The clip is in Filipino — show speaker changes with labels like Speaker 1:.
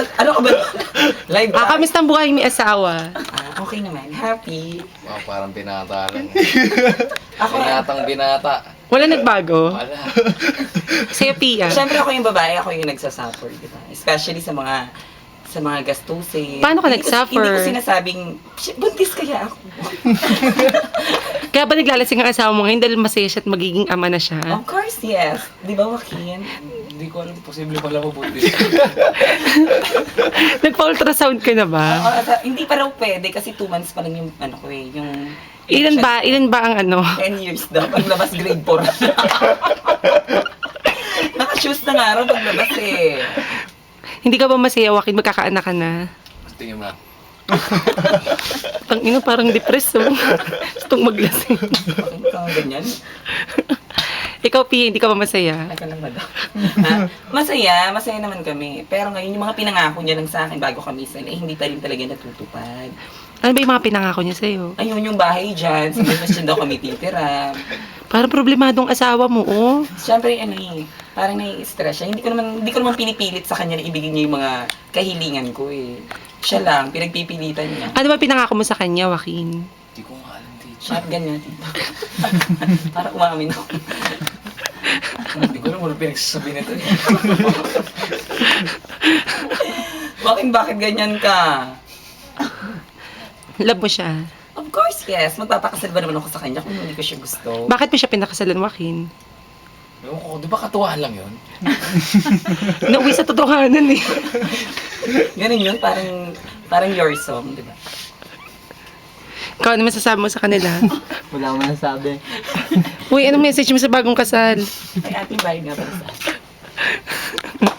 Speaker 1: Ano ka ba? Live ba?
Speaker 2: Kamusta ang buhay may asawa?
Speaker 1: Okay naman. Happy.
Speaker 3: Oh, parang binata lang.
Speaker 1: Ako,
Speaker 3: Binatang binata.
Speaker 2: Wala nagbago?
Speaker 3: Wala.
Speaker 2: Sa'yo, Pia.
Speaker 1: syempre ako yung babae, ako yung nagsasuffer, di ba? Especially sa mga gastusin.
Speaker 2: Paano ka
Speaker 1: Hindi
Speaker 2: nagsuffer?
Speaker 1: Hindi ko sinasabing, "Shit, buntis kaya ako."
Speaker 2: Kaya ba naglalasing ang asawa mo ngayon dahil masaya siya at magiging ama na siya?
Speaker 1: Of course, yes. Di ba, Joaquin?
Speaker 3: Hindi ko alam, posible pala mabuti.
Speaker 2: Nagpa-ultrasound ka na ba?
Speaker 1: Hindi pa raw pwede kasi 2 months pa lang yung ano ko eh, yung
Speaker 2: Ilan ba ang ano?
Speaker 1: 10 years daw, paglabas grade 4. Naka-shoes na nga raw paglabas eh.
Speaker 2: Hindi ka ba masaya, Joaquin? Magkakaanak ka na.
Speaker 3: Tingin mo.
Speaker 2: Tangina, parang depressed, oh. Gustong maglasing.
Speaker 1: Bakit ka ganyan?
Speaker 2: Ikaw, Pia, hindi ka ba masaya?
Speaker 1: Ay ka lang madam. Masaya naman kami. Pero ngayon, yung mga pinangako niya lang sa akin bago kami isal, eh hindi pa rin talaga natutupad.
Speaker 2: Ano ba yung mga pinangako niya sa'yo?
Speaker 1: Ayun yung bahay dyan, sa Masjid daw kami titira.
Speaker 2: Parang problemadong asawa mo, oh.
Speaker 1: Siyempre, ano eh, parang nai-stress siya. Hindi ko naman pinipilit sa kanya na ibigay niya yung mga kahilingan ko eh. Siya lang, pinagpipilitan niya.
Speaker 2: Ano ba pinangako mo sa kanya, Joaquin?
Speaker 3: Hindi ko nga alam, teacher.
Speaker 1: Shotgun niya, tito. Para umamin ako.
Speaker 3: Hindi ko alam, wala pinagsasabi nito eh.
Speaker 1: Bakit ganyan ka?
Speaker 2: Love mo siya.
Speaker 1: Of course, yes. Magpapakasal ba naman ako sa kanya kung hindi ko siya gusto?
Speaker 2: Bakit mo siya pinakasalan, Joaquin?
Speaker 3: Ewan ko, di ba katuwaan lang yun?
Speaker 2: Nauwi sa totohanan, eh.
Speaker 1: Ganun yun, parang your song, di ba?
Speaker 2: Ikaw, ano masasabi mo sa kanila?
Speaker 4: Wala akong masasabi.
Speaker 2: Uy, anong message mo sa bagong kasal?
Speaker 1: Ay, ating bahay nga pala sa